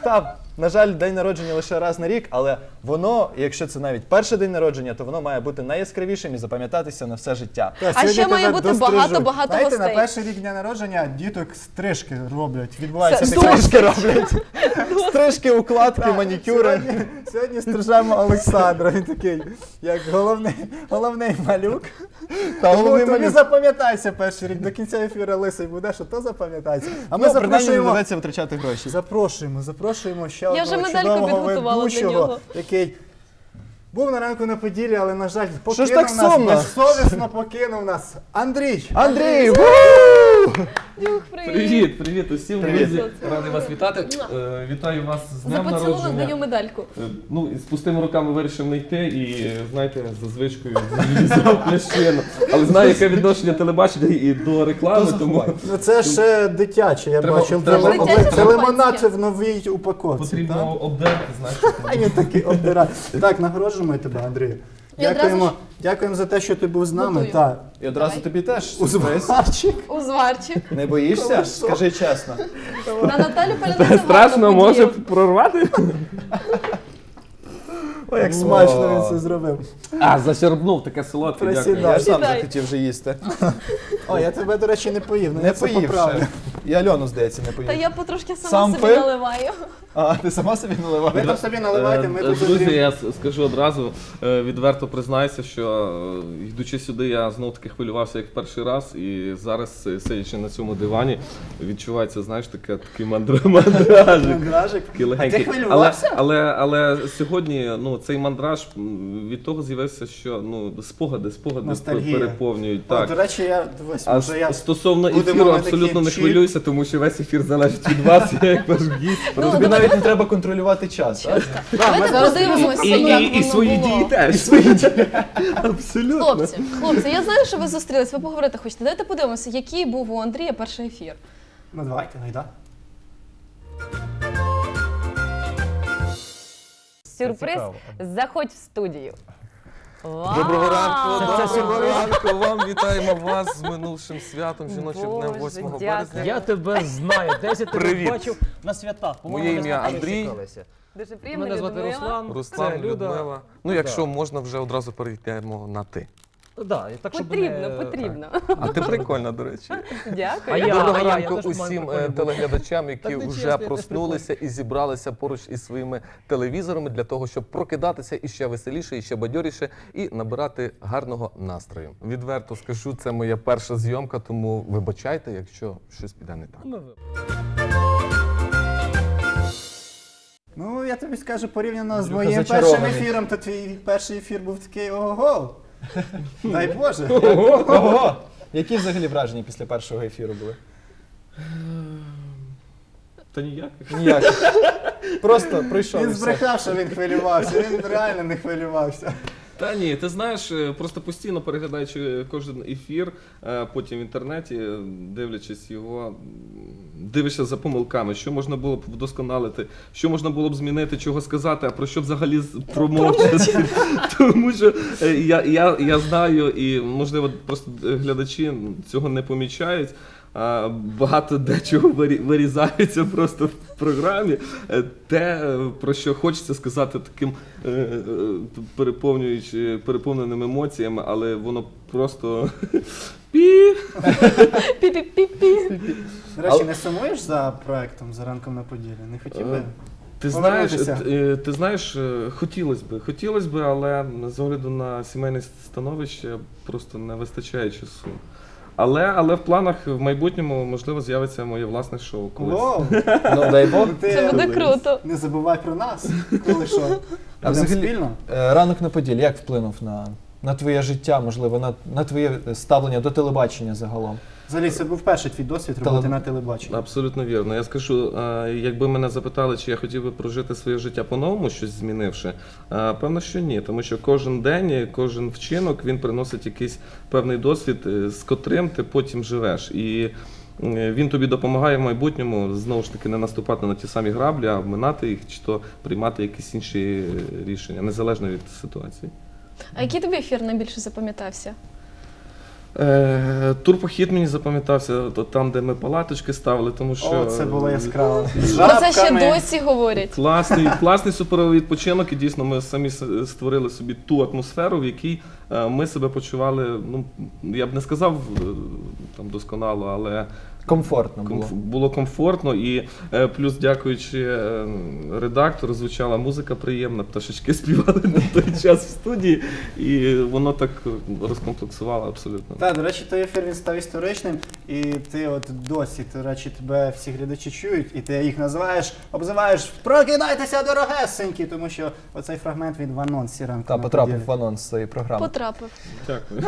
Так, на жаль, день народження лише раз на рік, але воно, якщо це навіть перший день народження, то воно має бути найяскравішим і запам'ятатися на все життя. А ще має бути багато-багато гостей. гостей. На перший рік дня народження діток стрижки роблять. Відбувається Стрижки роблять. Стрижки, укладки, манікюри. Сьогодні стрижемо Олександра. Він такий, як головний малюк. Тому тобі запам'ятайся перший рік. До кінця ефіру лисий буде, що то запам'ятається. А ми принаймні не доведеться витрачати гроші. Запрошуємо ще Я вже одного медальку чудового підготувала для ведучого, нього. який був на ранку на Поділлі, але, на жаль, Що ж покинув так нас, сумно? безсовісно покинув нас. Андрій! Андрій! Дюх, привіт. Привіт, привіт усім, Привіт. друзі. Радий вас вітати. Вітаю вас з За днем поцілунок даю народження. медальку. Ну, з пустими руками вирішив не йти і, знаєте, за звичкою взяв плящину. Але знаю, яке відношення телебачення і до реклами, тому Ну це ж дитяче, я Треба- бачив. треба- Дитяче Це лимонад шампанське. це в новій упаковці. потрібно обдерти, знаєте. А він такий обдирає. Так, нагороджуємо тебе, Андрію. І одразу Дякуємо за те, що ти був з нами. Готую. Так. І одразу тобі теж У сюрприз. зварчик. Узварчик. Не боїшся? Скажи чесно. На Наталю Паляницю Страшно може прорвати? Ой, як смачно він це зробив. А, засербнув, таке солодке, дякую. Присідай. Я ж сам Сідай. захотів вже їсти. Ой, я тебе, до речі, не поїв. Ну, Не я це поїв поправлю. ще. І Альону, здається, не Та поїв. я потрошки сама Сам собі пив? наливаю. А, ти сама собі Ви наливаєш? там собі наливайте, ми тут Друзі, Андрій. я скажу одразу, відверто признаюся, що йдучи сюди, я знов таки хвилювався як в перший раз, і зараз, сидячи на цьому дивані, відчувається, знаєш, такий мандражик. Мандражик. Такий А ти легенький. хвилювався? Але сьогодні від мандраж від того з'явився, що спогади Ностальгія. переповнюють. О, Так. до речі, дивись, А може я... стосовно будемо ефіру, ми абсолютно такі не чіп. хвилююся, тому що весь ефір залежить від вас, я як ваш гість. Ну, Тобі навіть не треба контролювати час, так? Давайте подивимося, як І свої воно дії було. теж. Абсолютно. Хлопці, я знаю, що ви зустрілись, ви поговорити хочете. Давайте подивимося, який був у Андрія перший ефір. Ну давайте, гайда. Сюрприз, заходь в студію. Вау! Доброго ранку вам, вітаємо вас з минувшим святом, жіночим днем Боже, 8 дякую. березня. Я тебе знаю, десь я тебе Привіт. бачив на святах. Моє ми ім'я з тобою Андрій. стикалися. Дуже приємно, Мене звати Людмила. Руслан. Руслан, це Люда. Людмила. Ну, якщо можна, вже одразу перейдемо на ти. Да, і так, щоб Потрібно, не- потрібно. А ти прикольна, до речі. Дякую. А я- Доброго я ранку теж маю усім прикольний телеглядачам, які Так не вже чесно, я теж проснулися і зібралися поруч із своїми телевізорами для того, щоб прокидатися іще веселіше, іще бадьоріше і набирати гарного настрою. Відверто скажу, це моя перша зйомка, тому вибачайте, якщо щось піде не так. Ну, Ну, я тобі скажу, порівняно з Андрюха моїм першим зачарований. ефіром, то твій перший ефір був такий ого-го. Дай Боже. Ого! Які взагалі враження після першого ефіру були? Та ніяк. Ніяк. Просто прийшов і Він все. збрехав, що він хвилювався, він реально не хвилювався. Та ні, ти знаєш, просто постійно переглядаючи кожен ефір, потім в інтернеті, дивлячись його, дивишся за помилками, що можна було б вдосконалити, що можна було б змінити, чого сказати, а про що взагалі промовчати. Тому що я знаю, і можливо просто глядачі цього не помічають. Багато дечого вирізається просто в програмі. Те, про що хочеться сказати таким переповненим емоціями, але воно просто пі. Пі-пі-пі-пі. До речі, не сумуєш за проектом «За ранком на Поділлі»? Не хотів би? Ти знаєш, хотілося б, але з огляду на сімейне становище просто не вистачає часу. Але в планах в майбутньому, можливо, з'явиться моє власне шоу колись. Воу! Ну, дай Бог. Це буде круто. Не забувай про нас, коли що. А Будемо взагалі, спільно. ранок на Поділлі як вплинув на твоє життя, можливо, на твоє ставлення до телебачення загалом? Взагалі, це був перший твій досвід роботи на телебаченні. Абсолютно вірно. Я скажу, якби мене запитали, чи я хотів би прожити своє життя по-новому, щось змінивши, певно, що ні. Тому що кожен день, кожен вчинок, він приносить якийсь певний досвід, з котрим ти потім живеш. І він тобі допомагає в майбутньому, знову ж таки, не наступати на ті самі граблі, а обминати їх, чи то приймати якісь інші рішення, незалежно від ситуації. А який тобі ефір найбільше запам'ятався? Турпохід мені запам'ятався там, де ми палаточки ставили, тому що О, це було яскраво. З Про це ще жабками. досі говорять. класний суперовий відпочинок, і дійсно ми самі створили собі ту атмосферу, в якій ми себе почували, ну, я б не сказав там досконало, але Комфортно було. було комфортно, і плюс, дякуючи редактору, звучала музика приємна, пташечки співали на той час в студії, і воно так розкомплексувало абсолютно. Так, до речі, той ефір він став історичним, і ти от досі, до речі, тебе всі глядачі чують, і ти їх називаєш, обзиваєш «Прокидайтеся, дорогесенькі», тому що оцей фрагмент він в анонсі ранку. Та на потрапив поділі. в анонс цієї програми. Потрапив. Дякую.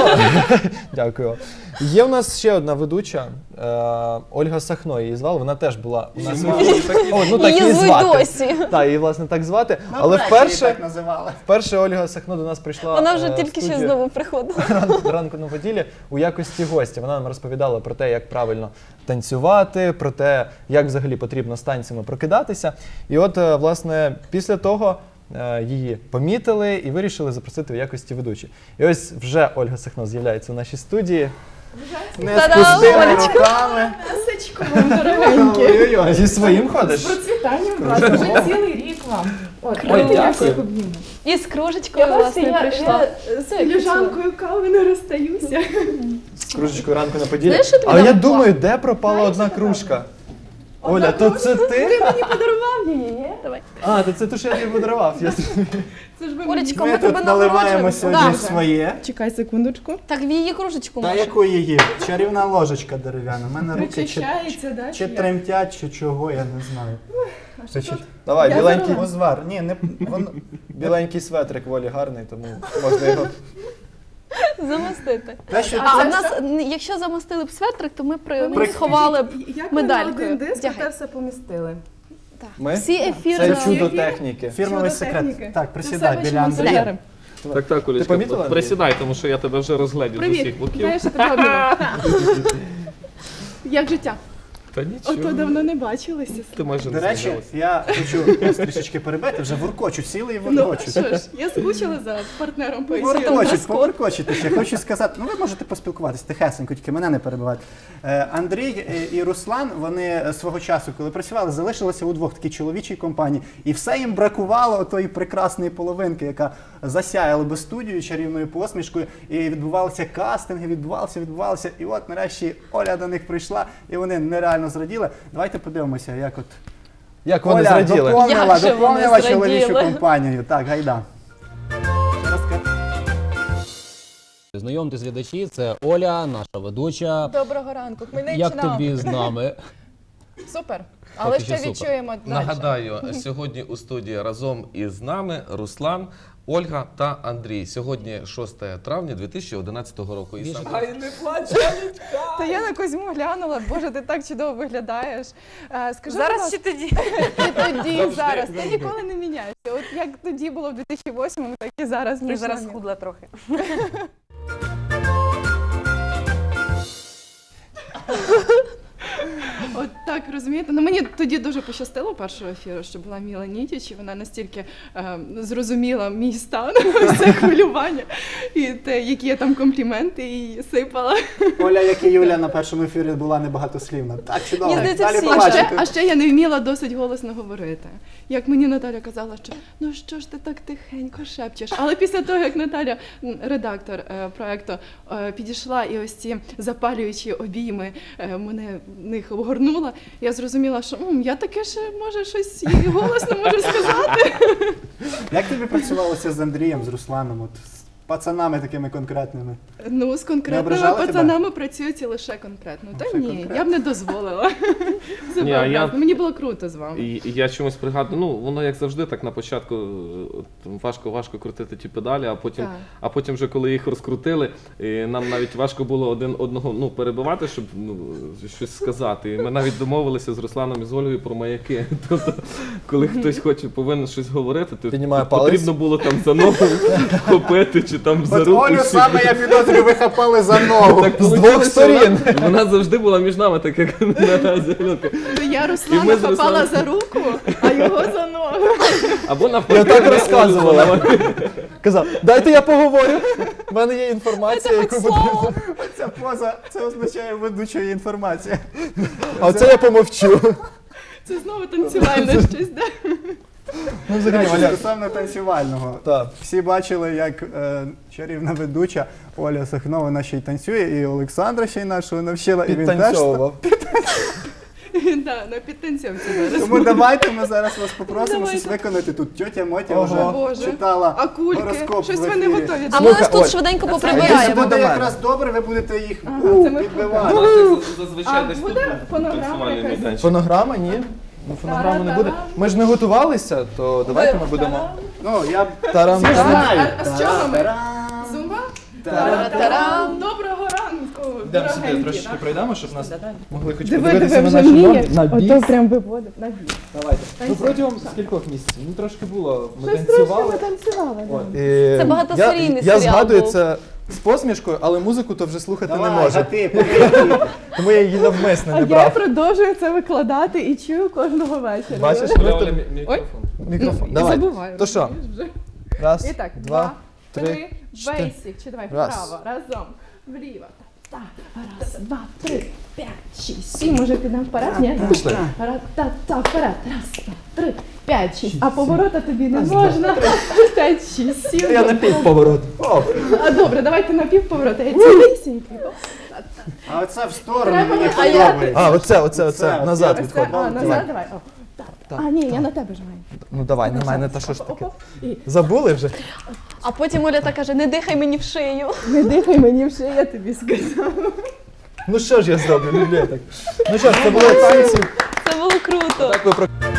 Дякую. Є у нас ще одна ведуча, Ольга Сахно її звали, вона теж була у нас. О, ну так Її її звуть звати. досі. Так, її власне так звати. Ну, Але врешті її вперше, так називали. вперше Ольга Сахно до нас прийшла. Вона вже в тільки що студію знову приходила. ранку на поділі у якості гостя. Вона нам розповідала про те, як правильно танцювати, про те, як взагалі потрібно з танцями прокидатися. І от, власне, після того її помітили і вирішили запросити в якості ведучої. І ось вже Ольга Сахно з'являється у нашій студії. Не Та-дам, спустили Олечка. руками. Ласочко, вам дорогенькі. Ой-ой-ой. Зі своїм З ходиш? процвітанням вас. Вже цілий рік вам. От, Ой, давайте я дякую. всіх обніму. І з кружечкою, власне, прийшла. З філіжанкою кави не розстаюся. З кружечкою ранку на поділі. Знаєш, що тобі Але я дам? думаю, де пропала одна кружка? Оля, то це ти? Мені подарував її, ні? Давай. А, то це те, що я тобі подарував. Я зрозумів. Це ж ви Олечко, Ми ми тебе тут наливаємо нагороджуємо. сьогодні Да. своє. Чекай секундочку. Так, в її кружечку Та може. яку її? Чарівна ложечка дерев'яна. У мене руки Причащається, да? чи як? тремтять, чи чого, я не знаю. А що тут? Давай, Я біленький, зараз- Узвар. Ні, не біленький светрик Волі гарний, тому можна його. Замостити. Те, що А це- в нас, якщо замостили б светрик, то ми При- сховали б Як ми на медалькою. один диск Вдягай. те все помістили? Ми? Всі ефіри. Це на- чудо техніки. фірмовий Чудо секрет. техніки. Так, Це присідай все біля вийшло Андрія. з Так, Олечка, помітила, Андрій? присідай, тому що я тебе вже розгледів з Привіт. усіх боків. Знаєш, що тебе обніму. Як життя? Та нічого. Ото давно не бачилися. Ти майже До не речі, змінилася. я хочу вас трішечки перебити, вже воркочуть, сіли і Ну, воркочуть. що ж, я скучила за партнером по ефіру. Воркочуть, поворкочуть ще. Хочу сказати, ну ви можете поспілкуватися тихесенько, тільки мене не перебивати. Андрій і Руслан, вони свого часу, коли працювали, залишилися удвох в такій чоловічій компанії. І все їм бракувало тої прекрасної половинки, яка засяяла би студію чарівною посмішкою. І відбувалися кастинги, відбувалися. І от нарешті Оля до них прийшла, і вони нереально зраділи. Давайте подивимося, як от Як вони Оля зраділи. доповнила Як же вони чоловічу зраділи. компанію. Так, гайда. Знайомтесь, глядачі, це Оля, наша ведуча. Доброго ранку, Як Хмельниччина. тобі з нами? Супер. Але Поки ще що супер. відчуємо далі. Нагадаю, сьогодні у студії разом із нами Руслан, Ольга та Андрій. Сьогодні 6 травня 2011 року. І Більше саме... Та я на Козьму глянула, боже, ти так чудово виглядаєш. Скажи, Зараз чи тоді? ти тоді, зараз, ти ніколи не міняєшся. От як тоді було в 2008-му, так і зараз. Я між зараз нами. худла трохи. От так, розумієте? Ну мені тоді дуже пощастило першого ефіру, що була Міла Нітіч, і вона настільки зрозуміла мій стан, все хвилювання, і те, які я там компліменти їй сипала. Оля, як і Юля на першому ефірі була небагатослівна. Так, чудово. Мені здається, Далі всі. побачите. А ще я не вміла досить голосно говорити. Як мені Наталя казала, що ну що ж ти так тихенько шепчеш. Але після того, як Наталя, редактор проекту, підійшла і ось ці запалюючі обійми мене в них огорнула, я зрозуміла, що я таке ще може щось і голосно можу сказати. Як тобі працювалося з Андрієм, з Русланом, от, з пацанами такими конкретними? Ну, з Не конкретними ображали тебе? пацанами працюють лише конкретно. Та Лише ні, конкретно. я б не дозволила. Це Ні, а я- правда. Мені було круто з вами. І я чомусь пригадую, ну воно як завжди, так на початку важко крутити ті педалі, Так. а потім вже коли їх розкрутили, нам навіть важко було один одного перебивати, щоб щось сказати. І ми навіть домовилися з Русланом і з Ольгою про маяки. Тобто, коли хтось повинен щось говорити, то Піднімає палець. потрібно було там за ногу вхопити чи там за От руку. Олю всі. саме, я підозрюю, ви хапали за ногу. Так З двох получилось, сторін. Вона завжди була між нами, так як на зеленка. То я І Руслана ми з хапала Русланом- за руку, а його за ногу. Або навпаки. Я так Олю розказувала. заливали. Казав, дайте я поговорю. У мене є інформація, яку потрібно. Ця поза, це означає ведучої інформація. А оце я помовчу. Це знову танцювальне щось, да? Ну, взагалі, Оля. Стосовно танцювального. Так. Всі бачили, як чарівна ведуча Оля Сахно, вона ще й танцює, і Олександра ще й нашого навчила, і він теж. Підтанцьовував. Да, на підтанцьовці зараз. Тому давайте ми зараз вас попросимо Давайте. щось виконати. Тут тьотя Мотя Ого. вже Боже. читала А кульки? гороскоп Щось в ви не ефірі. готові. А ми Слухай, ось тут Оль, швиденько Якщо поприбираємо. буде мене. якраз добре, ви будете їх це ми підбивати. Ну, це зазвичай А десь тут буде був фонограма танцювальний якась? майданчик. Фонограма? Ні. Ну, фонограми не буде. Ми ж не готувалися, то давайте ми будемо. Ну, я Тарам. всі ж знають. А з чого ми? Та-ра-та-рам. Зумба? Та-ра-тарам. Доброго ранку, Йдемо сюди, дорогенькі. трошечки пройдемо, щоб нас могли хоч Диви, подивитися диви, на вже наші вміє. ноги. На біс. Ото прям виводить на біс. Давайте. Ну протягом скількох місяців? Ну трошки було. Ми Щось трошки танцювали. ми танцювали. да. От, і Це багатосерійний я серіал згадую був. це з посмішкою, але музику то вже слухати не Давай, можу. гати, побігли. Тому я її навмисно А не я брав. продовжую це викладати і чую кожного вечора. Бачиш? Оля, Оля, мікрофон. Мікрофон. Ну, Давай. забуваю. То що? розумієш вже. Раз, І так, два, 3, чотири. бейсик. Чи давай Раз. вправо, разом, вліво. Так, раз, два, три, 5, 6, 7. Може підемо вперед? Ні? Пішли. Та, вперед. Раз, два, 3, 5, 6. А поворота тобі не можна. 5, 6, 7. Я на півповорот. Оп. А добре, давайте на півповорота. Я цілісінький. А оце в сторону Треба мені на- а я- подобається. А, оце, Оце, назад оце. відходь. А, назад, давай. О, так. А, ні, я на тебе ж маю. Ну давай, на мене, та що ж таке? Оп, і Забули вже? А потім Оля так каже, не дихай мені в шию. не дихай мені в шию, я тобі сказав. Ну що ж я зроблю, люблю я так. Ну що ж, це було танці. Це було круто. Так ви про